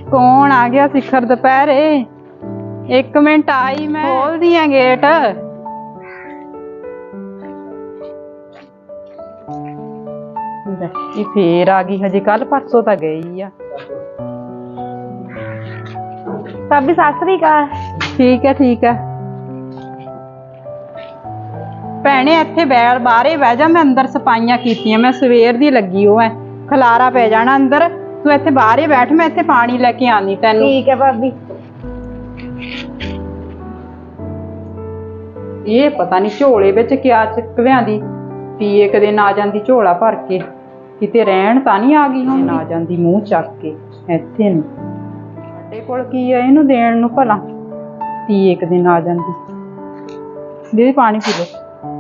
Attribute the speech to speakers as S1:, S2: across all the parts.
S1: कौन आ गया शिखर दोपहरे? एक मिनट आई, मैं खोल दिया गेट। ये फिर आ गई, हजे कल परसों तो गई आ।
S2: भाभी सत श्री अकाल।
S1: ठीक है ठीक है भैने, इत्थे बैठ बाहरे बह जा, मैं अंदर सफाइयां कीतियां, मैं सवेर दी लगी हो है, खलारा पै जाना अंदर, तू इत्थे बाहरे बैठ, मैं इत्थे पानी लेके आनी तैनू।
S2: ठीक है भाभी।
S1: ये पता नहीं झोले विच क्या चक लियांदी, भी एक दिन आ जांदी झोला भर के, किते रहन तां नहीं आ गई हुण, आ जांदी मूंह चक के इत्थे नु। ਸਾਡੇ ਕੋਲ ਕੀ ਹੈ ਇਹਨੂੰ ਦੇਣ ਨੂੰ ਭਲਾ, ਤੀ ਇੱਕ ਦਿਨ ਆ ਜਾਂਦੀ। ਦੀਦੀ ਪਾਣੀ ਪੀ ਲਓ।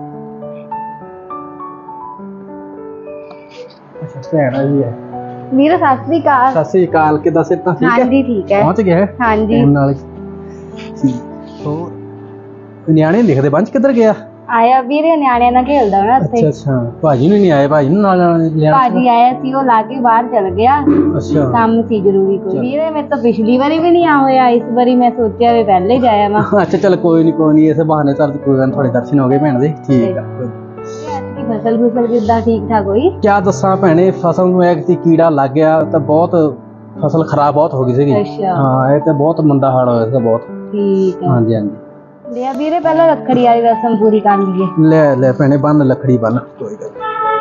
S3: ਅੱਛਾ ਭੈਣ ਜੀ ਹੈ।
S2: ਵੀਰ ਸਤ श्री अकाल।
S3: ਸਤਿ ਸ੍ਰੀ ਅਕਾਲ, ਕਿਦਾਂ ਸਿਹਤਾਂ ਠੀਕ ਹੈ?
S2: हाँ जी ठीक है।
S3: ਪਹੁੰਚ ਗਿਆ ਹੈ
S2: हाँ जी
S3: ਫੋਨ ਨਾਲ ਹੀ। ਹੋਰ ਨਿਆਣੇ ਲਿਖਦੇ ਬੰਚ ਕਿੱਧਰ ਗਿਆ?
S2: ਆਇਆ ਵੀਰੇ, ਨਿਆਣਿਆਂ ਨਾਲ ਖੇਲਦਾ ਨਾ ਉੱਥੇ।
S3: ਅੱਛਾ ਅੱਛਾ, ਭਾਜੀ ਨੂੰ ਨਹੀਂ ਆਏ? ਭਾਜੀ ਨੂੰ ਨਾਲ ਲਿਆ?
S2: ਭਾਜੀ ਆਇਆ ਸੀ, ਉਹ ਲਾ ਕੇ ਬਾਹਰ ਚਲ ਗਿਆ,
S3: ਅੱਛਾ
S2: ਕੰਮ ਸੀ ਜ਼ਰੂਰੀ ਕੋਈ। ਵੀਰੇ ਮੈਂ ਤਾਂ ਪਿਛਲੀ ਵਾਰੀ ਵੀ ਨਹੀਂ ਆ ਹੋਇਆ, ਇਸ ਵਾਰੀ ਮੈਂ ਸੋਚਿਆ ਵੀ ਪਹਿਲੇ ਜਾਇਆ ਵਾ।
S3: ਅੱਛਾ ਚਲ ਕੋਈ ਨਹੀਂ ਇਸੇ ਬਹਾਨੇ ਸਰ ਕੋਈ ਗੱਲ, ਥੋੜੇ ਦਰਸ਼ਨ ਹੋ ਗਏ ਭੈਣ ਦੇ। ਠੀਕ ਆ।
S2: ਫਸਲ ਕਿੱਦਾਂ ਠੀਕ ਠਾਕ ਹੋਈ?
S3: ਕਿਆ ਦੱਸਾਂ ਭੈਣੇ, ਫਸਲ ਨੂੰ ਇੱਕ ਕੀੜਾ ਲੱਗ ਗਿਆ ਤਾਂ ਬਹੁਤ ਫਸਲ ਖਰਾਬ ਬਹੁਤ ਹੋ ਗਈ ਸੀਗੀ।
S2: ਅੱਛਾ
S3: ਹਾਂ ਇਹ ਤਾਂ ਬਹੁਤ ਮੰਦਾ ਹਾਲ ਹੋਇਆ ਸੀ ਬਹੁਤ।
S2: ਠੀਕ ਹੈ।
S3: ਹਾਂਜੀ ਹਾਂਜੀ,
S2: ਲਿਆ ਵੀਰੇ ਪਹਿਲਾਂ ਰੱਖੜੀ ਵਾਲੀ ਰਸਮ ਪੂਰੀ ਕਰ ਲਈਏ।
S3: ਲੈ ਲੈ ਭੈਣੇ ਬੰਨ ਲੱਕੜੀ ਬੰਨ, ਕੋਈ ਗੱਲ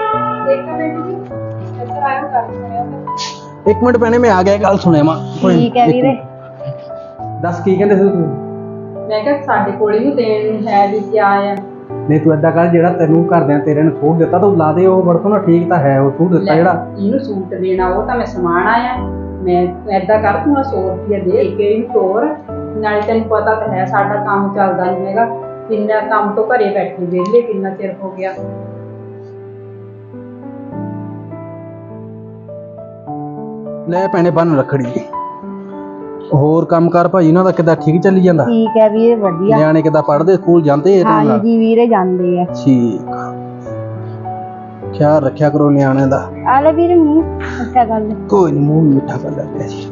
S3: ਇੱਕ ਮਿੰਟ ਭੈਣੇ ਮੈਂ ਆ ਗਿਆ, ਗੱਲ ਸੁਣਿਆ ਮਾ।
S2: ਠੀਕ ਹੈ ਵੀਰੇ।
S3: ਦੱਸ ਕੀ ਕਹਿੰਦੇ ਸੀ ਤੁਸੀਂ?
S1: ਮੈਂ ਕਿਹਾ ਸਾਡੇ ਕੋਲ ਹੀ ਨੂੰ ਦੇਣ ਨੂੰ ਹੈ ਵੀ ਕਿਆ ਆ।
S3: ਨਹੀਂ ਤੂੰ ਏਦਾਂ ਕਰ, ਜਿਹੜਾ ਤੈਨੂੰ ਘਰਦਿਆਂ ਤੇਰੇ ਨੇ ਸੂਟ ਦਿੱਤਾ ਤੂੰ ਲਾ ਦੇ, ਉਹ ਵਰਤੋਂ ਨਾ ਠੀਕ ਤਾਂ ਹੈ, ਉਹ ਸੂਟ ਦਿੱਤਾ ਜਿਹੜਾ।
S1: ਇਹਨੂੰ ਸੂਟ ਦੇਣਾ, ਉਹ ਤਾਂ ਮੈਂ ਸਮਾਨ ਆਇਆ, ਮੈਂ ਏਦਾਂ ਕਰ, ਤੂੰ 100 ਰੁਪਇਆ ਦੇ ਕੇ ਇਹਨੂੰ ਤੋਰ, ਨਾਲੇ ਤੈਨੂੰ ਪਤਾ ਤਾਂ ਹੈ ਸਾਡਾ ਕੰਮ ਚੱਲਦਾ ਨਹੀਂ ਹੈਗਾ, ਕਿੰਨਾ ਕੰਮ ਤੋਂ ਘਰੇ ਬੈਠੇ ਵਿਹਲੇ ਕਿੰਨਾ ਚਿਰ ਹੋ ਗਿਆ।
S3: ਲੈ ਭੈਣੇ ਬੰਨ ਰੱਖੜੀ। ਹੋਰ ਕੰਮ ਕਰ ਭਾਈ ਉਹਨਾਂ ਦਾ ਕਿੱਦਾਂ, ਠੀਕ ਚੱਲੀ ਜਾਂਦਾ?
S2: ਠੀਕ ਹੈ ਵੀਰੇ ਵਧੀਆ।
S3: ਨਿਆਣੇ ਕਿੱਦਾਂ ਪੜ੍ਹਦੇ, ਸਕੂਲ ਜਾਂਦੇ?
S2: ਹਾਂ ਜੀ ਵੀਰੇ ਜਾਂਦੇ ਆ।
S3: ਠੀਕ, ਖਿਆਲ ਰੱਖਿਆ ਕਰੋ ਨਿਆਣਿਆਂ ਦਾ।
S2: ਆ ਲੈ ਵੀਰੇ ਮੂੰਹ ਅੱਛਾ ਗੱਲ।
S3: ਕੋਈ ਨਹੀਂ, ਮੂੰਹ ਮਿੱਠਾ ਕਰ ਲੈਂਦੇ ਜੀ।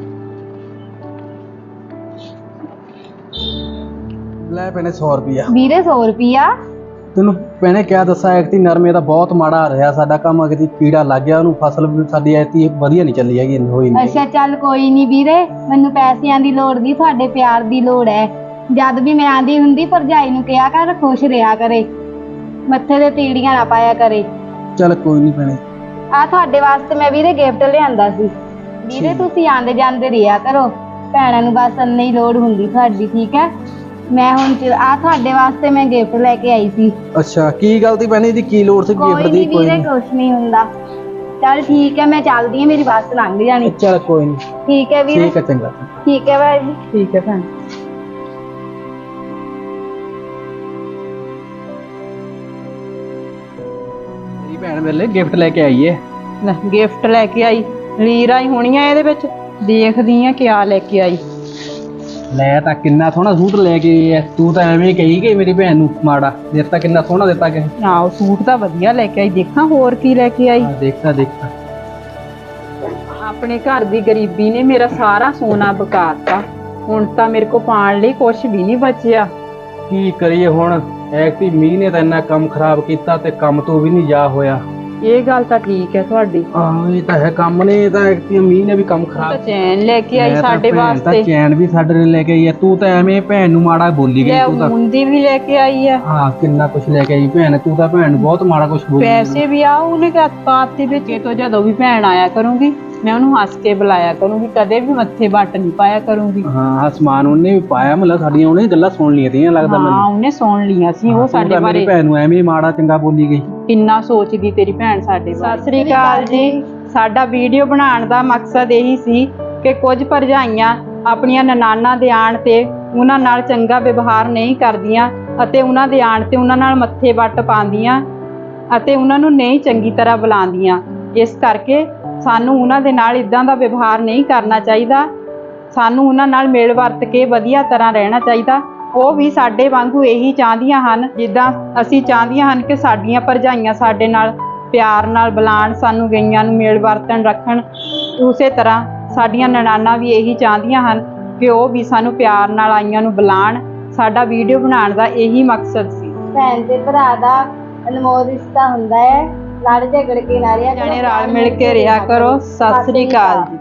S3: ਲੈ ਭੈਣੇ 100 ਰੁਪਿਆ।
S2: ਵੀਰੇ 100 ਰੁਪਿਆ?
S3: ਤੈਨੂੰ ਭੈਣੇ ਕਿਆ ਦੱਸਾਂ, ਐਕਤੀ ਨਰਮੇ ਦਾ ਬਹੁਤ ਮਾੜਾ ਰਿਹਾ ਸਾਡਾ ਕੰਮ, ਅਗਤੀ ਕੀੜਾ ਲੱਗ ਗਿਆ ਉਹਨੂੰ, ਫਸਲ ਵੀ ਸਾਡੀ ਐਤੀ ਵਧੀਆ ਨਹੀਂ ਚੱਲੀ ਹੈਗੀ, ਹੋਈ ਨਹੀਂ।
S2: ਅੱਛਾ ਚੱਲ ਕੋਈ ਨਹੀਂ ਵੀਰੇ, ਮੈਨੂੰ ਪੈਸਿਆਂ ਦੀ ਲੋੜ ਨਹੀਂ, ਤੁਹਾਡੇ ਪਿਆਰ ਦੀ ਲੋੜ ਹੈ। ਜਦ ਵੀ ਮੈਂ ਆਂਦੀ ਹੁੰਦੀ ਭਰਜਾਈ ਨੂੰ ਕਿਹਾ ਕਰ ਖੁਸ਼ ਰਿਹਾ ਕਰੇ, ਮੱਥੇ ਤੇ ਤੀੜੀਆਂ ਨਾ ਪਾਇਆ ਕਰੇ।
S3: ਚੱਲ ਕੋਈ ਨਹੀਂ ਭੈਣੇ।
S2: ਆ ਤੁਹਾਡੇ ਵਾਸਤੇ ਮੈਂ ਵੀਰੇ ਗਿਫਟ ਲਿਆਂਦਾ ਸੀ। ਵੀਰੇ ਤੁਸੀਂ ਆਂਦੇ ਜਾਂਦੇ ਰਿਹਾ ਕਰੋ, ਭੈਣਾਂ ਨੂੰ ਬਸ ਇੰਨੀ ਲੋੜ ਹੁੰਦੀ ਤੁਹਾਡੀ, ਠੀਕ ਹੈ? ਮੈਂ ਹੁਣ ਆ ਤੁਹਾਡੇ ਵਾਸਤੇ ਮੈਂ ਗਿਫਟ ਲੈ ਕੇ ਆਈ ਸੀ।
S3: ਅੱਛਾ ਕੀ ਗੱਲ ਤੀ ਭੈਣੇ, ਇਹਦੀ ਕੀ ਲੋੜ ਸੀ ਗਿਫਟ ਦੀ?
S2: ਕੋਈ ਨਹੀਂ ਕੁਛ ਨਹੀਂ ਹੁੰਦਾ। ਚੱਲ ਠੀਕ ਹੈ, ਮੈਂ ਚੱਲਦੀ ਹਾਂ, ਮੇਰੀ ਬੱਸ ਲੰਘ ਜਾਣੀ।
S3: ਚੱਲ ਕੋਈ ਨਹੀਂ,
S2: ਠੀਕ ਹੈ ਵੀਰੇ।
S3: ਠੀਕ ਹੈ ਚੰਗਾ।
S2: ਠੀਕ ਹੈ ਬਾਈ ਜੀ।
S1: ਠੀਕ ਹੈ ਭੈਣ।
S3: ਮੇਰੀ ਭੈਣ ਮੇਰੇ ਲਈ ਗਿਫਟ ਲੈ ਕੇ ਆਈ ਹੈ।
S1: ਲੈ ਗਿਫਟ ਲੈ ਕੇ ਆਈ, ਲੀਰਾਂ ਹੀ ਹੋਣੀਆਂ ਇਹਦੇ ਵਿੱਚ, ਦੇਖਦੀ ਆ ਕਿਆ ਲੈ ਕੇ ਆਈ।
S3: ਲੈ ਤਾਂ ਕਿੰਨਾ ਸੋਹਣਾ ਸੂਟ ਲੈ ਕੇ ਆਈ ਹੈ, ਤੂੰ ਤਾਂ ਐਵੇਂ ਕਹੀ ਗਈ ਮੇਰੀ ਭੈਣ ਨੂੰ ਮਾੜਾ ਦਿੱਤਾ, ਕਿੰਨਾ ਸੋਹਣਾ ਦਿੱਤਾ ਕਿ।
S1: ਨਾ ਉਹ ਸੂਟ ਤਾਂ ਵਧੀਆ ਲੈ ਕੇ ਆਈ, ਦੇਖਾਂ ਹੋਰ ਕੀ ਲੈ ਕੇ ਆਈ।
S3: ਦੇਖਤਾ ਦੇਖਤਾ।
S1: ਆਪਣੇ ਘਰ ਦੀ ਗਰੀਬੀ ਨੇ ਮੇਰਾ ਸਾਰਾ ਸੋਨਾ ਬਕਾਤਾ, ਹੁਣ ਤਾਂ ਮੇਰੇ ਕੋ ਪਾਣ ਲਈ ਕੁਛ ਵੀ ਨਹੀਂ ਬਚਿਆ।
S3: ਕੀ ਕਰੀਏ ਹੁਣ, ਐਕਤੀ ਮੀਂਹ ਨੇ ਤਾਂ ਇੰਨਾ ਕੰਮ ਖਰਾਬ ਕੀਤਾ ਤੇ ਕੰਮ ਤੋਂ ਵੀ ਨਹੀਂ ਜਾ ਹੋਇਆ।
S1: ਇਹ ਗੱਲ ਤਾਂ ਠੀਕ ਹੈ ਤੁਹਾਡੀ।
S3: ਆਹ ਇਹ ਤਾਂ ਹੈ, ਕੰਮ ਨੇ ਤਾਂ ਐਕਤੀ ਮੀਂਹ ਨੇ ਵੀ ਕੰਮ
S1: ਤਾਂ
S3: ਖਰਾਬ।
S1: ਚੈਨ ਲੈ ਕੇ ਆਈ ਸਾਡੇ ਵਾਸਤੇ,
S3: ਚੈਨ ਵੀ ਸਾਡੇ ਨੇ ਲੈ ਕੇ ਆਈ ਹੈ, ਤੂੰ ਤਾਂ ਐਵੇਂ ਭੈਣ ਨੂੰ ਮਾੜਾ ਬੋਲੀ ਗਈ।
S1: ਲੈ
S3: ਤੂੰ ਤਾਂ
S1: ਮੁੰਦੀ ਵੀ ਲੈ ਕੇ ਆਈ ਆ।
S3: ਹਾਂ ਕਿੰਨਾ ਕੁਛ ਲੈ ਕੇ ਆਈ ਭੈਣ, ਤੂੰ ਤਾਂ ਭੈਣ ਨੂੰ ਬਹੁਤ ਮਾੜਾ ਕੁਛ ਬੋਲੀ।
S1: ਪੈਸੇ ਵੀ ਆ ਉਹਨੇ ਪਾਤੇ ਵਿੱਚ, ਇਹ ਤੋਂ ਜਦੋਂ ਵੀ ਭੈਣ ਆਇਆ ਕਰੂੰਗੀ ਮੈਂ ਉਹਨੂੰ ਹੱਸ ਕੇ ਬੁਲਾਇਆ ਕਰੂੰਗੀ, ਕਦੇ ਵੀ ਮੱਥੇ ਵੱਟ ਨਹੀਂ ਪਾਇਆ ਕਰੂੰਗੀ।
S3: ਹਾਂ ਸਮਾਨ ਉਹਨੇ ਵੀ ਪਾਇਆ, ਮਤਲਬ ਸਾਡੀਆਂ ਉਹਨੇ ਗੱਲਾਂ ਸੁਣ ਲਈਆਂ ਤੀਆਂ ਲੱਗਦਾ ਮੈਨੂੰ।
S1: ਹਾਂ ਉਹਨੇ ਸੁਣ ਲੀਆਂ ਸੀ, ਉਹ ਸਾਡੇ ਬਾਰੇ
S3: ਮੇਰੀ ਭੈਣ ਨੂੰ ਐਵੇਂ ਮਾੜਾ ਚੰਗਾ ਬੋਲੀ ਗਈ।
S1: ਕਿੰਨਾ ਸੋਚਦੀ ਤੇਰੀ ਭੈਣ ਸਾਡੇ ਬਾਰੇ। ਸਤਿ ਸ੍ਰੀ ਅਕਾਲ ਜੀ। ਸਾਡਾ ਵੀਡੀਓ ਬਣਾਉਣ ਦਾ ਮਕਸਦ ਇਹੀ ਸੀ ਕਿ ਕੁਝ ਭਰਜਾਈਆਂ ਆਪਣੀਆਂ ਨਨਾਣਾਂ ਦੇ ਆਣ ਤੇ ਉਹਨਾਂ ਨਾਲ ਚੰਗਾ ਵਿਵਹਾਰ ਨਹੀਂ ਕਰਦੀਆਂ ਅਤੇ ਉਹਨਾਂ ਦੇ ਆਣ ਤੇ ਉਹਨਾਂ ਨਾਲ ਮੱਥੇ ਵੱਟ ਪਾਉਂਦੀਆਂ ਅਤੇ ਉਹਨਾਂ ਨੂੰ ਨਹੀਂ ਚੰਗੀ ਤਰ੍ਹਾਂ ਬੁਲਾਉਂਦੀਆਂ। ਇਸ ਕਰਕੇ ਸਾਨੂੰ ਉਹਨਾਂ ਦੇ ਨਾਲ ਇਦਾਂ ਦਾ ਵਿਵਹਾਰ ਨਹੀਂ ਕਰਨਾ ਚਾਹੀਦਾ, ਸਾਨੂੰ ਉਹਨਾਂ ਨਾਲ ਮਿਲ ਵਰਤ ਕੇ ਵਧੀਆ ਤਰ੍ਹਾਂ ਰਹਿਣਾ ਚਾਹੀਦਾ। ਉਹ ਵੀ ਸਾਡੇ ਵਾਂਗੂ ਇਹੀ ਚਾਹੁੰਦੀਆਂ ਹਨ, ਜਿੱਦਾਂ ਅਸੀਂ ਚਾਹੁੰਦੀਆਂ ਹਨ ਕਿ ਸਾਡੀਆਂ ਭਰਜਾਈਆਂ ਸਾਡੇ ਨਾਲ ਪਿਆਰ ਨਾਲ ਬੁਲਾਉਣ, ਸਾਨੂੰ ਗਈਆਂ ਨੂੰ ਮਿਲ ਵਰਤਣ ਰੱਖਣ, ਉਸੇ ਤਰ੍ਹਾਂ ਸਾਡੀਆਂ ਨਨਾਣਾ ਵੀ ਇਹੀ ਚਾਹੁੰਦੀਆਂ ਹਨ ਕਿ ਉਹ ਵੀ ਸਾਨੂੰ ਪਿਆਰ ਨਾਲ ਆਈਆਂ ਨੂੰ ਬੁਲਾਉਣ। ਸਾਡਾ ਵੀਡੀਓ ਬਣਾਉਣ ਦਾ ਇਹੀ ਮਕਸਦ ਸੀ।
S2: ਭੈਣ ਤੇ ਭਰਾ ਦਾ ਅਨਮੋਲ ਰਿਸ਼ਤਾ ਹੁੰਦਾ ਹੈ। ਲੜ ਝਗੜ ਕੇ ਨਾ ਰਿਹਾ ਕਰੋ,
S1: ਜਾਣੇ ਰਲ ਮਿਲ ਕੇ ਰਿਹਾ ਕਰੋ। ਸਤਿ ਸ੍ਰੀ ਅਕਾਲ ਜੀ।